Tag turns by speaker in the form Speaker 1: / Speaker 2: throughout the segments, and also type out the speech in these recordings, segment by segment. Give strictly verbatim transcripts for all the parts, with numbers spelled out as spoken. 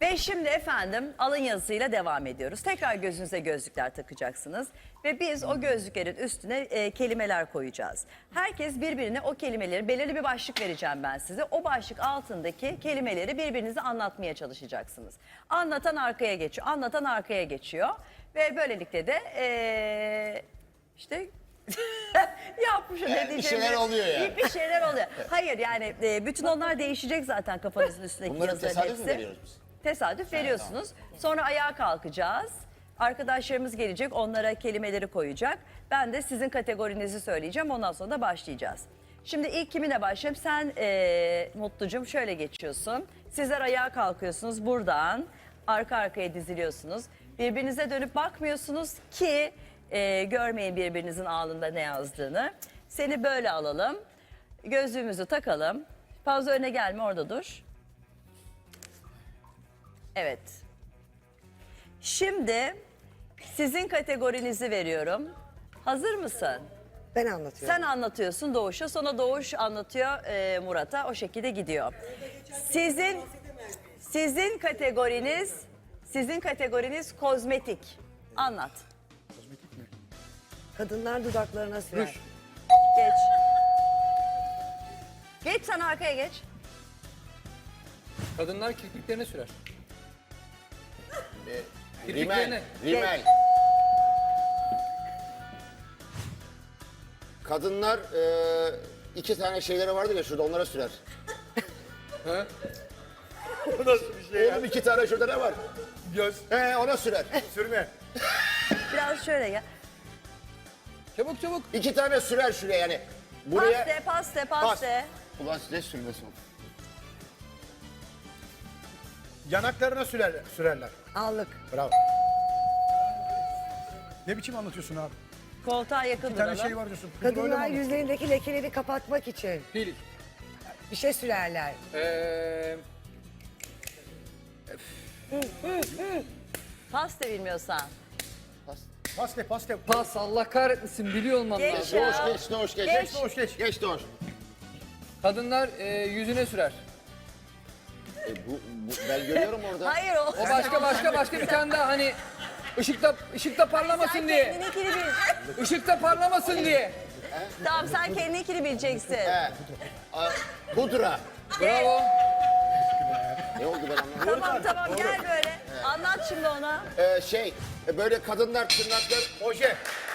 Speaker 1: Ve şimdi efendim alın yazısıyla devam ediyoruz. Tekrar gözünüze gözlükler takacaksınız. Ve biz o gözlüklerin üstüne e, kelimeler koyacağız. Herkes birbirine o kelimeleri, belirli bir başlık vereceğim ben size. O başlık altındaki kelimeleri birbirinize anlatmaya çalışacaksınız. Anlatan arkaya geçiyor, anlatan arkaya geçiyor. Ve böylelikle de e, işte... Yapmışım ne
Speaker 2: Yani bir
Speaker 1: diyeceğimi.
Speaker 2: şeyler oluyor yani.
Speaker 1: Bir şeyler oluyor. Hayır yani e, bütün onlar değişecek zaten kafanızın üstündeki
Speaker 2: Bunları
Speaker 1: yazıların
Speaker 2: tesadüf mü
Speaker 1: hepsi.
Speaker 2: veriyoruz biz?
Speaker 1: Tesadüf veriyorsunuz. Sonra ayağa kalkacağız. Arkadaşlarımız gelecek, onlara kelimeleri koyacak. Ben de sizin kategorinizi söyleyeceğim, ondan sonra da başlayacağız. Şimdi ilk kiminle başlayayım? Sen e, Mutlucum şöyle geçiyorsun. Sizler ayağa kalkıyorsunuz buradan. Arka arkaya diziliyorsunuz. Birbirinize dönüp bakmıyorsunuz ki e, görmeyin birbirinizin alnında ne yazdığını. Seni böyle alalım. Gözlüğümüzü takalım. Fazla öne gelme, orada dur. Evet. Şimdi sizin kategorinizi veriyorum. Hazır mısın?
Speaker 3: Ben anlatıyorum.
Speaker 1: Sen anlatıyorsun Doğuş'a, sonra Doğuş anlatıyor e, Murat'a. O şekilde gidiyor. Sizin sizin kategoriniz sizin kategoriniz kozmetik. Anlat.
Speaker 3: Kadınlar dudaklarına sürer.
Speaker 1: Geç. Geç, sen arkaya geç.
Speaker 4: Kadınlar kirpiklerine sürer.
Speaker 2: Rimel,
Speaker 4: Kirpiklerine.
Speaker 2: rimel. Kadınlar e, iki tane şeyleri vardı ya şurada, onlara sürer.
Speaker 4: Ha?
Speaker 2: O nasıl bir şey ya? Oğlum iki tane şurada ne var?
Speaker 5: Göz,
Speaker 2: He, ona sürer.
Speaker 5: sürme.
Speaker 1: Biraz şöyle gel.
Speaker 4: Çabuk çabuk.
Speaker 2: İki tane sürer şuraya yani. Buraya...
Speaker 1: Paste, paste, paste.
Speaker 2: Ulan size sürmesin.
Speaker 5: Yanaklarına sürer, sürerler.
Speaker 3: Allık.
Speaker 5: Bravo. Ne biçim anlatıyorsun abi?
Speaker 1: Koltuğa yakın
Speaker 5: Bir tane
Speaker 1: duralım.
Speaker 5: şey var diyorsun. Bunu böyle mi
Speaker 3: Kadınlar
Speaker 5: anlatıyorsun?
Speaker 3: yüzlerindeki lekeleri kapatmak için
Speaker 4: Pil.
Speaker 3: bir şey sürerler.
Speaker 4: Ee,
Speaker 1: Paste bilmiyorsan.
Speaker 5: Paste, paste.
Speaker 4: pas Allah kahretmesin biliyor olmam
Speaker 1: Geç
Speaker 4: lazım.
Speaker 1: ya.
Speaker 2: Doğuş geç, Doğuş geç.
Speaker 1: Geç.
Speaker 5: Doğuş geç.
Speaker 2: Geç Doğuş.
Speaker 4: Kadınlar e, yüzüne sürer.
Speaker 2: E, bu, bu, ben görüyorum orada.
Speaker 1: Hayır o.
Speaker 4: O başka başka başka bir tane daha hani ışıkta ışıkta parlamasın diye.
Speaker 1: Kendininkini bil.
Speaker 4: Işıkta parlamasın diye.
Speaker 1: Tamam, sen kendininkini bileceksin.
Speaker 2: He. A, pudra.
Speaker 4: Bravo.
Speaker 2: Ne oldu ben anlamadım.
Speaker 1: Tamam tamam gel böyle. Anlat şimdi ona.
Speaker 2: Ee, şey, e, böyle kadınlar tırnaklar...
Speaker 5: Oje.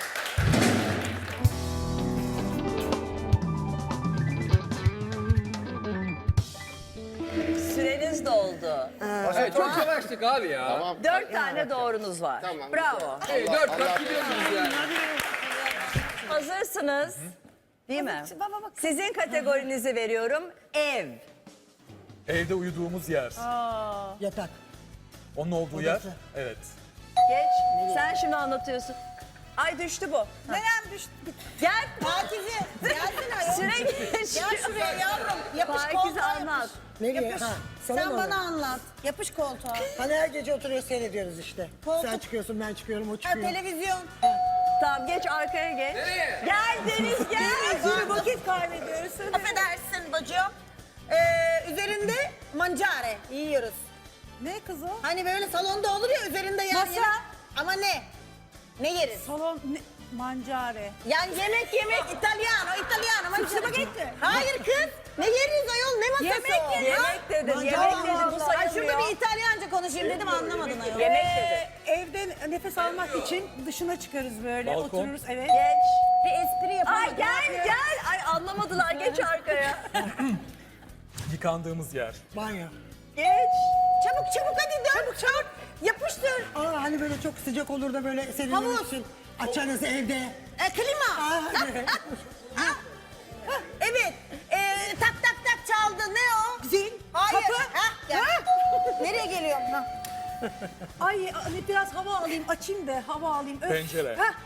Speaker 1: Süreniz doldu.
Speaker 4: Evet, çok yavaştık abi ya.
Speaker 2: Tamam.
Speaker 1: Dört tane doğrunuz var.
Speaker 2: Tamam,
Speaker 1: Bravo.
Speaker 2: güzel.
Speaker 4: Hey,
Speaker 2: Allah-
Speaker 4: dört
Speaker 2: Allah-
Speaker 4: kat gidiyorsunuz yani.
Speaker 1: Hazırsınız. Değil mi? Sizin kategorinizi veriyorum. Ev.
Speaker 6: Evde uyuduğumuz yer.
Speaker 3: Yatak.
Speaker 6: Onun olduğu yer. Evet.
Speaker 1: Geç. Sen şimdi anlatıyorsun. Ay düştü bu.
Speaker 7: Nerem düştü?
Speaker 1: Gel.
Speaker 7: Pakize. Gelsene ayol.
Speaker 1: Süre geçiyor.
Speaker 7: Gel şuraya yavrum. Yapış
Speaker 1: Pakize
Speaker 7: koltuğa
Speaker 1: anlat.
Speaker 7: yapış.
Speaker 3: Nereye?
Speaker 7: Yapış.
Speaker 3: Ha,
Speaker 7: Sen
Speaker 3: sana mı?
Speaker 7: bana anlat. Yapış koltuğa.
Speaker 3: Hani her gece oturuyor seyrediyoruz işte.
Speaker 7: Koltuk.
Speaker 3: Sen çıkıyorsun, ben çıkıyorum, o
Speaker 7: Ha,
Speaker 3: çıkıyor.
Speaker 7: televizyon.
Speaker 1: Tamam geç arkaya geç.
Speaker 4: Nereye?
Speaker 1: Gel Deniz gel.
Speaker 7: Yürü vakit kaybediyoruz. Affedersin bacım. Ee, üzerinde mancare yiyoruz.
Speaker 8: Ne kız o?
Speaker 7: Hani böyle salonda olur ya üzerinde yer
Speaker 8: Masa.
Speaker 7: yemek. Ama ne? Ne yeriz?
Speaker 8: Salon ne? Mancare.
Speaker 7: Yani yemek yemek İtalyano, İtalyano. mancare.
Speaker 8: Spagetti.
Speaker 7: Hayır kız. Ne yeriz ayol? Ne masası
Speaker 8: Yemek
Speaker 7: o?
Speaker 8: yeriz.
Speaker 7: Ha?
Speaker 1: Yemek dedim.
Speaker 7: Mancare.
Speaker 1: Yemek dedim. Bu
Speaker 7: Allah Allah. Ay,
Speaker 1: sayılmıyor.
Speaker 7: şurada bir İtalyanca konuşayım dedim anlamadın ayol.
Speaker 1: Yemek
Speaker 8: Ee,
Speaker 1: dedim.
Speaker 8: evde nefes almak için dışına çıkarız böyle.
Speaker 6: Balkon.
Speaker 8: Otururuz evet.
Speaker 1: Geç.
Speaker 7: Bir espri yapamadım.
Speaker 1: Ay gel gel. Ay anlamadılar. Geç arkaya.
Speaker 6: Yıkandığımız yer.
Speaker 3: Banyo.
Speaker 1: Geç.
Speaker 7: Çabuk çabuk hadi dön. Çabuk çabuk. Yapıştır.
Speaker 3: Aa, hani böyle çok sıcak olur da böyle
Speaker 7: Havuz.
Speaker 3: serinlemek için açarız evde.
Speaker 7: E, klima.
Speaker 3: Aa,
Speaker 7: Ha, evet. E, tak tak tak çaldı. Ne o?
Speaker 8: Zil.
Speaker 7: Hayır.
Speaker 8: Kapı.
Speaker 7: Ha, gel. Nereye geliyorum? Ha.
Speaker 8: Ay hani biraz hava alayım açayım da hava alayım. Öf.
Speaker 6: Pencere.
Speaker 8: Hah.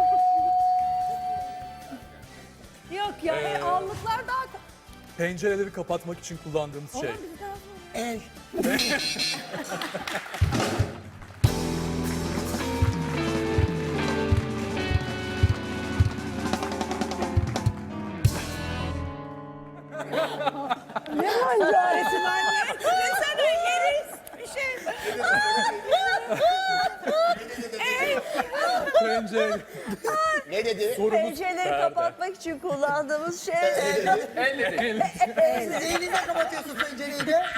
Speaker 8: Yok ya
Speaker 6: Ee,
Speaker 8: allıklar daha...
Speaker 6: Pencereleri kapatmak için kullandığımız şey.
Speaker 8: Olan bir daha var.
Speaker 3: el.
Speaker 8: Ne mancaresi ben ne? Desene yeriz. Bir şey.
Speaker 2: Ne dedi?
Speaker 1: Pencereleri kapatmak için kullandığımız şey.
Speaker 4: El dedi.
Speaker 3: Siz elinizle kapatıyorsunuz pencereyi de.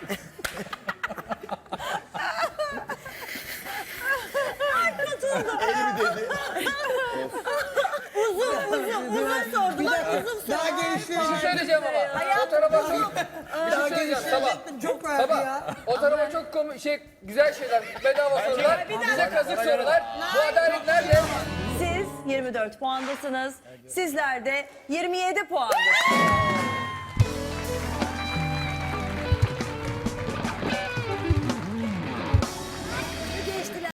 Speaker 3: Daha
Speaker 4: Bir şey
Speaker 3: geliştirecektim.
Speaker 4: söyleyeceğim ama. O tarafa çok... Bir şey
Speaker 3: Daha
Speaker 4: söyleyeceğim Sabah.
Speaker 3: geliştirecektim. Çok verdi
Speaker 4: Sabah.
Speaker 3: ya.
Speaker 4: O tarafa çok komik şey, güzel şeyler, bedava sorular, bize kazık sorular. Bu adalet nerede?
Speaker 1: Siz yirmi dört puandasınız. Sizler de yirmi yedi puandasınız.